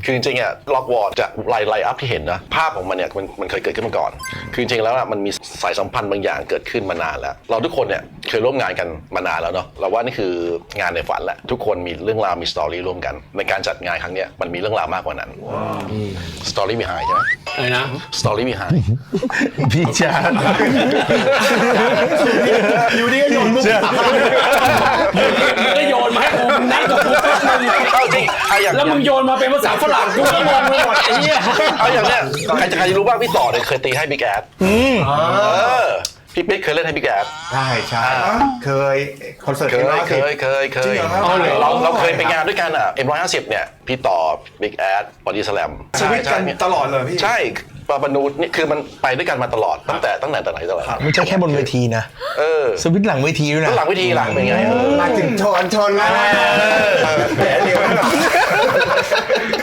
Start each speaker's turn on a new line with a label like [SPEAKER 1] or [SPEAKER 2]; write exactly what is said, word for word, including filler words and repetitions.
[SPEAKER 1] คือจริงๆอ่ะล็อกวอร์จะไลน์ไลน์อัพที่เห็นนะภาพของมันเนี่ยมันมันเคยเกิดขึ้นมาก่อนคือจริงๆแล้วมันมีสายสัมพันธ์บางอย่างเกิดขึ้นมานานแล้วเราทุกคนเนี่ยเคยร่วมงานกันมานานแล้วเนาะเราว่านี่คืองานในฝันแหละทุกคนมีเรื่องราวมีสตอรี่ร่วมกันในการจัดงานครั้งเนี้ยมันมีเรื่องราวมากกว่านั้นสตอรี่มีไฮใช่ไหม
[SPEAKER 2] อะไรนะ
[SPEAKER 1] สตอรี่มีไฮ
[SPEAKER 3] พี่ชา
[SPEAKER 2] อยู่ดีก็โยนมุกก็โยนมาให้กูนั่งกับกูแป๊บนึงแล้วมึงโยนมาเป็นภาษาฝรั่งกูก็งงไปหมดไอ้เหี้ย
[SPEAKER 1] เอาอย่างเนี้ยใครจะใครจะรู้บ้างพี่ต่อเนี่ยเคยตีให้บิ๊กแอดพี่ปิ๊กเคยเล่นให้บิ๊กแอด
[SPEAKER 3] ใช่ใช่เคยคอนเสิร์ต
[SPEAKER 1] เคยเคยเคยเคยเราเราเคยไปงานด้วยกันอ่ะ เอ็ม หนึ่งร้อยห้าสิบ เนี่ยพี่ต่อบิ๊กแอดบอดี้สแลม
[SPEAKER 3] สวิตกันตลอดเลยพี่
[SPEAKER 1] ใช่ปาปนูนี่คือมันไปด้วยกันมาตลอดตั้งแต่ตั้งแต่แต่ไหนแต่ไร
[SPEAKER 4] ไม่ใช่แค่บนเวทีนะ
[SPEAKER 1] เออ
[SPEAKER 4] สวิตหลังเวทีด้วยนะ
[SPEAKER 1] หลังเวทีหลังเป็นไง
[SPEAKER 3] มาถึงชนชนแล้วแผลเดียว